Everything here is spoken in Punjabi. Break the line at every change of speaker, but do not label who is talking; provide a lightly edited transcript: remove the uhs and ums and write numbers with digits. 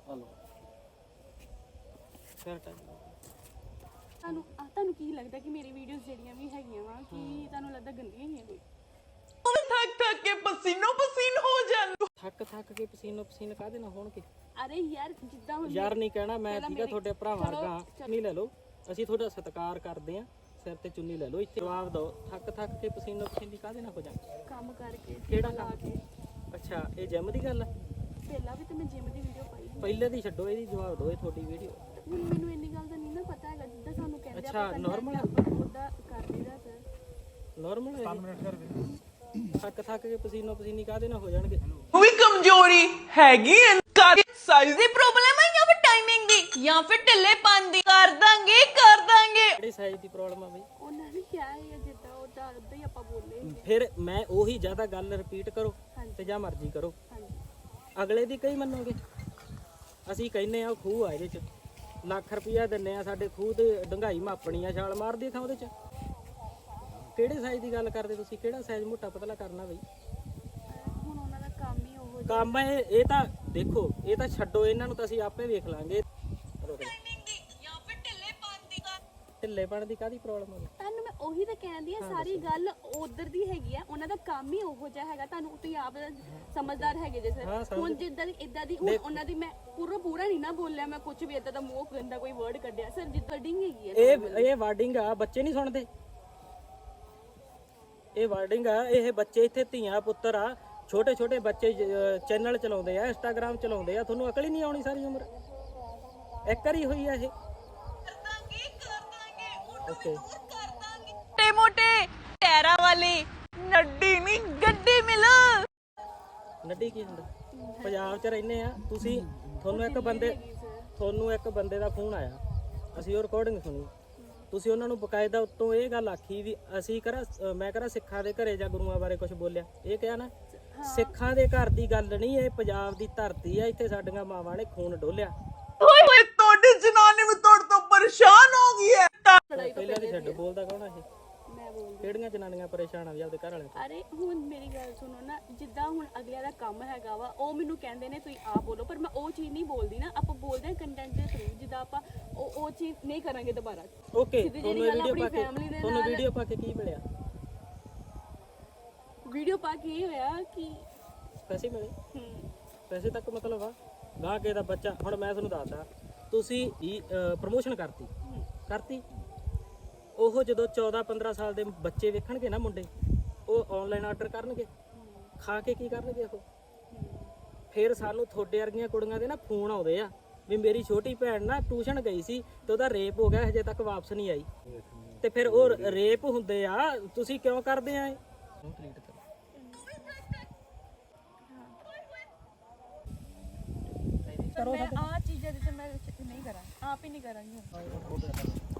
ਹਲੋ
ਤੁਹਾਨੂੰ ਕੀ ਲੱਗਦਾ ਕਿ ਮੇਰੀ ਵੀਡੀਓਜ਼ ਜਿਹੜੀਆਂ ਵੀ ਹੈਗੀਆਂ ਵਾ ਕਿ ਤੁਹਾਨੂੰ ਲੱਗਦਾ ਗੰਦੀਆਂ ਹੀ ਆ ਕੋਈ?
ਥੱਕ ਥੱਕ ਕੇ ਪਸੀਨੋ ਪਸੀਨ ਹੋ ਜਾਂਦੇ।
ਥੱਕ ਕੇ ਪਸੀਨੋ ਪਸੀਨ ਕਾਹਦੇ ਨਾਲ ਹੋਣਗੇ?
ਅਰੇ ਯਾਰ ਜਿੱਦਾਂ ਹੁਣ
ਯਾਰ ਨਹੀਂ ਕਹਿਣਾ ਮੈਂ, ਠੀਕ ਆ ਤੁਹਾਡੇ ਭਰਾ ਵਰਗਾ। ਚੁੰਨੀ ਲੈ ਲਓ, ਅਸੀਂ ਤੁਹਾਡਾ ਸਤਿਕਾਰ ਕਰਦੇ ਆ, ਸਿਰ ਤੇ ਚੁੰਨੀ ਲੈ ਲਓ। ਇੱਥੇ ਜਵਾਬ ਦਿਓ, ਥੱਕ ਕੇ ਪਸੀਨੋ ਪਸੀਨੀ ਕਾਹਦੇ ਨਾਲ ਹੋ ਜਾਂਦੇ?
ਕੰਮ ਕਰਕੇ
ਕਿਹੜਾ ਕੰਮ? ਅੱਛਾ, ਇਹ ਜਿਮ ਦੀ ਗੱਲ ਆ?
ਪਹਿਲਾਂ ਵੀ ਤੇ ਮੈਂ ਜਿਮ ਦੀ ਵੀਡੀਓ ਪਾਈ ਸੀ।
ਪਹਿਲੇ ਦੀ ਛੱਡੋ, ਇਹਦੀ ਜਵਾਬ ਦਿਓ। ਇਹ ਤੁਹਾਡੀ ਵੀਡੀਓ
ਹੁਣ ਮੈਨੂੰ ਇੰਨੀ ਗੱਲ ਦਾ ਨਹੀਂ ਨਾ ਪਤਾ ਹੈਗਾ, ਜਿੱਦਾਂ ਸਾਨੂੰ ਕਹਿੰਦੇ
ਅੱਛਾ, normal ਆ?
ਉਹਦਾ ਕਰ ਲਈਦਾ ਸਰ।
ਨਾਰਮਲ ਹੈ? 5 ਮਿੰਟ ਕਰ ਥੱਕ ਕੇ ਪਸੀਨੋ ਪਸੀਨੀ ਕਾਹਦੇ ਨਾਲ ਹੋ ਜਾਣਗੇ?
ਉਹ ਵੀ ਕਮਜ਼ੋਰੀ ਹੈਗੀ ਐ, ਸਾਈਜ਼ ਦੀ ਪ੍ਰੋਬਲਮ ਹੈ ਜਾਂ ਫਿਰ ਟਾਈਮਿੰਗ ਦੀ ਜਾਂ ਫਿਰ ਢਿੱਲੇਪਨ ਦੀ? ਕਰ ਦਾਂਗੇ
ਕਿਹੜੀ ਸਾਈਜ਼ ਦੀ ਪ੍ਰੋਬਲਮ ਆ ਬਈ?
ਉਹਨਾਂ ਨੇ ਕਿਹਾ ਹੈ ਜਿੱਦਾਂ ਉਹਦਾ ਉਦਾਂ ਹੀ ਆਪਾਂ ਬੋਲੇ।
ਫਿਰ ਮੈਂ ਉਹੀ ਜ਼ਿਆਦਾ ਗੱਲ ਰਿਪੀਟ ਕਰੋ ਤੇ ਜਾਂ ਮਰਜ਼ੀ ਕਰੋ, ਅਗਲੇ ਦੀ ਕਈ ਮੰਨੋਗੇ? ਅਸੀਂ ਕਹਿੰਨੇ ਆ ਖੂਹ ਆ, ਇਹਦੇ ਚ ਲੱਖ ਰੁਪਇਆ ਦਿੰਨੇ ਆ, ਸਾਡੇ ਖੂਹ ਤੇ ਡੰਗਾਈ ਮਾਪਣੀ ਆ, ਛਾਲ ਮਾਰਦੀ ਥਾਂ ਉਹਦੇ ਚ। ਕਿਹੜੇ ਸਾਈਜ਼ ਦੀ ਗੱਲ ਕਰਦੇ ਤੁਸੀਂ? ਕਿਹੜਾ ਸਾਈਜ਼ ਮੋਟਾ ਪਤਲਾ ਕਰਨਾ ਬਈ?
ਹੁਣ ਉਹਨਾਂ ਦਾ ਕੰਮ ਹੀ ਉਹ
ਕੰਮ ਇਹ ਤਾਂ ਦੇਖੋ, ਇਹ ਤਾਂ ਛੱਡੋ, ਇਹਨਾਂ ਨੂੰ ਤਾਂ ਅਸੀਂ ਆਪੇ ਵੇਖ ਲਾਂਗੇ। ਢਿੱਲੇਪਣ ਦੀ ਕਾਹਦੀ ਪ੍ਰੋਬਲਮ ਹੈ?
ਤੁਹਾਨੂੰ ਮੈਂ ਉਹੀ ਤਾਂ ਕਹਿੰਦੀ ਆ, ਸਾਰੀ ਗੱਲ ਉਧਰ ਦੀ ਹੈਗੀ ਆ, ਉਹਨਾਂ ਦਾ ਕੰਮ ਹੀ ਉਹੋ ਜਿਹਾ ਹੈਗਾ। ਤੁਹਾਨੂੰ ਤੁਸੀਂ ਆਪ ਸਮਝਦਾਰ ਹੈਗੇ ਜੇ ਸਰ। ਹੁਣ ਜਿੱਦਾਂ ਦੀ ਇਦਾਂ ਦੀ ਹੁਣ ਉਹਨਾਂ ਦੀ ਮੈਂ ਪੂਰਾ ਨਹੀਂ ਨਾ ਬੋਲਿਆ, ਮੈਂ ਕੁਝ ਵੀ ਇਦਾਂ ਦਾ ਮੂੰਹ ਗੰਦਾ ਕੋਈ ਵਰਡ ਕੱਢਿਆ ਸਰ। ਜਿੱਦਾਂ ਵਰਡਿੰਗ ਹੈਗੀ ਆ,
ਇਹ ਵਰਡਿੰਗ ਆ, ਬੱਚੇ ਨਹੀਂ ਸੁਣਦੇ। ਇਹ ਵਰਡਿੰਗ ਆ, ਇਹ ਬੱਚੇ ਇੱਥੇ ਧੀਆਂ ਪੁੱਤਰ ਆ, ਛੋਟੇ ਛੋਟੇ ਬੱਚੇ ਚੈਨਲ ਚਲਾਉਂਦੇ ਆ, ਇੰਸਟਾਗ੍ਰਾਮ ਚਲਾਉਂਦੇ ਆ। ਤੁਹਾਨੂੰ ਅਕਲ ਹੀ ਨਹੀਂ ਆਉਣੀ ਸਾਰੀ ਉਮਰ? ਇੱਕ ਵਾਰੀ ਹੋਈ ਆ ਇਹ? ਓਕੇ,
ਮੋਟੇ ਮੋਟੇ ਟੈਰਾ ਵਾਲੀ ਨੱਡੀ ਨਹੀਂ ਗੱਡੀ ਮਿਲ।
ਨੱਡੀ ਕੀ ਹੁੰਦਾ? ਪੰਜਾਬ 'ਚ ਰਹਿੰਦੇ ਆ ਤੁਸੀਂ, ਤੁਹਾਨੂੰ ਇੱਕ ਬੰਦੇ ਦਾ ਫੋਨ ਆਇਆ, ਅਸੀਂ ਉਹ ਰਿਕਾਰਡਿੰਗ ਸੁਣੀ, ਤੁਸੀਂ ਉਹਨਾਂ ਨੂੰ ਬਕਾਇਦਾ ਉੱਤੋਂ ਇਹ ਗੱਲ ਆਖੀ ਵੀ ਅਸੀਂ ਮੈਂ ਕਰਾਂ ਸਿੱਖਾਂ ਦੇ ਘਰੇ ਜਾਂ ਗੁਰੂਆਂ ਬਾਰੇ ਕੁਝ ਬੋਲਿਆ? ਇਹ ਕਿਹਾ ਨਾ, ਸਿੱਖਾਂ ਦੇ ਘਰ ਦੀ ਗੱਲ ਨਹੀਂ, ਇਹ ਪੰਜਾਬ ਦੀ ਧਰਤੀ ਆ, ਇੱਥੇ ਸਾਡੀਆਂ ਮਾਵਾਂ ਨੇ ਖੂਨ ਡੋਲਿਆ।
ਓਏ ਹੋਏ, ਤੁਹਾਡੀ ਜਨਾਨੀ ਵੀ ਤੁਹਾਡੇ ਤੋਂ ਪਰੇਸ਼ਾਨ ਹੋ ਗਈ ਹੈ।
ਪਹਿਲਾਂ ਦੀ ਛੱਡ, ਬੋਲਦਾ ਕੌਣ ਆ ਇਹ?
ਮੈਂ ਬੋਲਦੀ।
ਕਿਹੜੀਆਂ ਜਨਾਨੀਆਂ ਪਰੇਸ਼ਾਨ ਆ ਵੀ ਆਪਦੇ ਘਰ ਵਾਲਿਆਂ ਤੋਂ?
ਅਰੇ ਹੁਣ ਮੇਰੀ ਗੱਲ ਸੁਣੋ ਨਾ, ਜਿੱਦਾਂ ਹੁਣ ਅਗਲਿਆਂ ਦਾ ਕੰਮ ਹੈਗਾ ਵਾ, ਉਹ ਮੈਨੂੰ ਕਹਿੰਦੇ ਨੇ ਤੁਸੀਂ ਆਪ ਬੋਲੋ, ਪਰ ਮੈਂ ਉਹ ਚੀਜ਼ ਨਹੀਂ ਬੋਲਦੀ ਨਾ। ਆਪਾਂ ਬੋਲਦੇ ਹਾਂ ਕੰਟੈਂਟ ਦੇ ਥਰੂ, ਜਿੱਦਾਂ ਆਪਾਂ ਉਹ ਚੀਜ਼ ਨਹੀਂ ਕਰਾਂਗੇ ਦੁਬਾਰਾ।
ਓਕੇ, ਤੁਹਾਨੂੰ ਵੀਡੀਓ ਪਾ ਕੇ ਕੀ ਮਿਲਿਆ?
ਵੀਡੀਓ ਪਾ ਕੇ ਇਹ ਹੋਇਆ ਕਿ
ਪੈਸੇ ਮਿਲੇ? ਪੈਸੇ ਤੱਕ ਮਤਲਬ ਆ ਗਾਹ ਕੇ ਦਾ ਬੱਚਾ। ਹੁਣ ਮੈਂ ਤੁਹਾਨੂੰ ਦੱਸਦਾ, ਤੁਸੀਂ ਪ੍ਰਮੋਸ਼ਨ ਕਰਤੀ, ਉਹ ਜਦੋਂ 14-15 ਸਾਲ ਦੇ ਬੱਚੇ ਵੇਖਣਗੇ ਨਾ ਮੁੰਡੇ, ਉਹ ਆਨਲਾਈਨ ਆਰਡਰ ਕਰਨਗੇ, ਖਾ ਕੇ ਕੀ ਕਰਨਗੇ ਉਹ? ਫਿਰ ਸਾਨੂੰ ਤੁਹਾਡੇ ਵਰਗੀਆਂ ਕੁੜੀਆਂ ਦੇ ਨਾ ਫੋਨ ਆਉਂਦੇ ਆ ਵੀ ਮੇਰੀ ਛੋਟੀ ਭੈਣ ਨਾ ਟਿਊਸ਼ਨ ਗਈ ਸੀ ਤੇ ਉਹਦਾ ਰੇਪ ਹੋ ਗਿਆ, ਹਜੇ ਤੱਕ ਵਾਪਸ ਨਹੀਂ ਆਈ। ਤੇ ਫਿਰ ਉਹ ਰੇਪ ਹੁੰਦੇ ਆ, ਤੁਸੀਂ ਕਿਉਂ ਕਰਦੇ ਆ ਇਹ?
ਮੈਂ ਆ ਚੀਜ਼ਾਂ ਦੇ ਤੇ ਮੈਂ ਨਹੀਂ ਕਰਾਂ, ਆਪ ਹੀ ਨਹੀਂ ਕਰਾਂਗੀ।